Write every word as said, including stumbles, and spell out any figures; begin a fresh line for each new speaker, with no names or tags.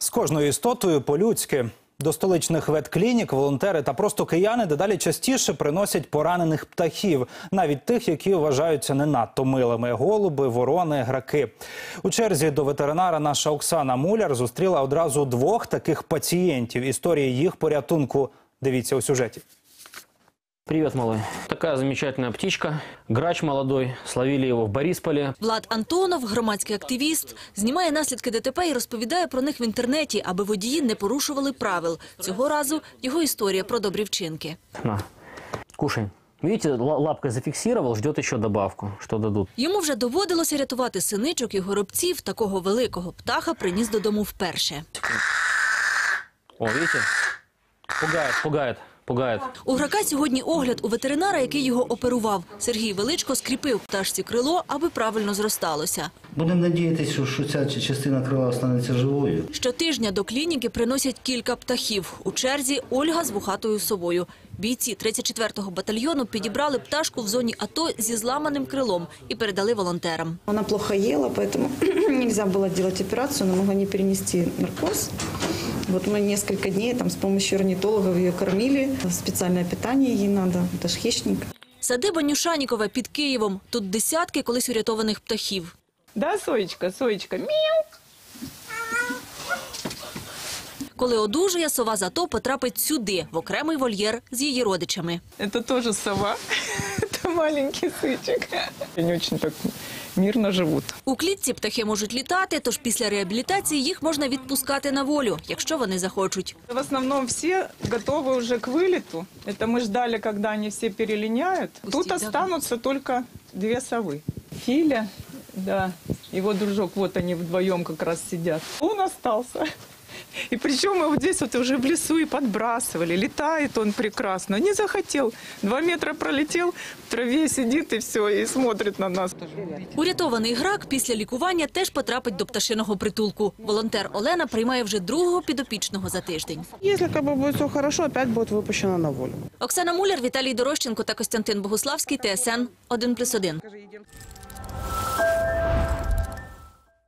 З кожною істотою по-людськи. До столичних ветклінік волонтери та просто кияни дедалі частіше приносять поранених птахів. Навіть тих, які вважаються не надто милими – голуби, ворони, граки. У черзі до ветеринара наша Оксана Муляр зустріла одразу двох таких пацієнтів. Історії їх порятунку дивіться у сюжеті.
Привет, малой. Такая замечательная птичка. Грач молодой. Словили его в Борисполе.
Влад Антонов, громадський активіст, знімає наслідки ДТП і розповідає про них в інтернеті, аби водії не порушували правил. Цього разу його історія про добрі вчинки.
На, кушай. Видите, лапкой зафиксировал, ждет еще добавку, что дадут.
Йому вже доводилося рятувати синичок і горобців. Такого великого птаха приніс додому вперше.
О, видите? Пугает, пугает. Пугает.
У грака сьогодні огляд у ветеринара, який його оперував. Сергій Величко скріпив пташці крило, аби правильно зросталося.
Будемо надіятися, що ця частина крила станеться живою.
Щотижня до клініки приносять кілька птахів. У черзі Ольга з вухатою совою. Бійці тридцять четвертого батальйону підібрали пташку в зоні АТО зі зламаним крилом і передали волонтерам.
Вона плохо їла, тому не можна було робити операцію, але могла не перенести наркоз. Вот мы несколько дней там с помощью орнитологов ее кормили. Специальное питание ей надо, это ж хищник.
Садиба Нюшанікова під Києвом. Тут десятки колись урятованих птахів.
Да, Соечка, Соечка, мяу.
Коли одужує, сова з АТО потрапить сюди, в окремий вольєр з її родичами.
Это тоже сова. Это маленький сычек. Они очень так мирно живут.
У клітці птахи можуть літати, тож після реабілітації їх можна відпускати на волю, якщо вони захочуть.
В основном все готовы уже к вылету. Это мы ждали, когда они все перелиняют. Тут останутся только две совы. Филя, да, его дружок, вот они вдвоем как раз сидят. Он остался. И причем мы вот здесь вот уже в лесу и подбрасывали. Летает он прекрасно. Не захотел. Два метра пролетел, в траве сидит и все, и смотрит на нас.
Урятований грак після лікування теж потрапить до пташиного притулку. Волонтер Олена приймає вже другого підопічного за тиждень.
Якщо как бы, буде все добре, опять буде випущена на волю.
Оксана Муляр, Віталій Дорощенко та Костянтин Богуславський, Т С Н один плюс один.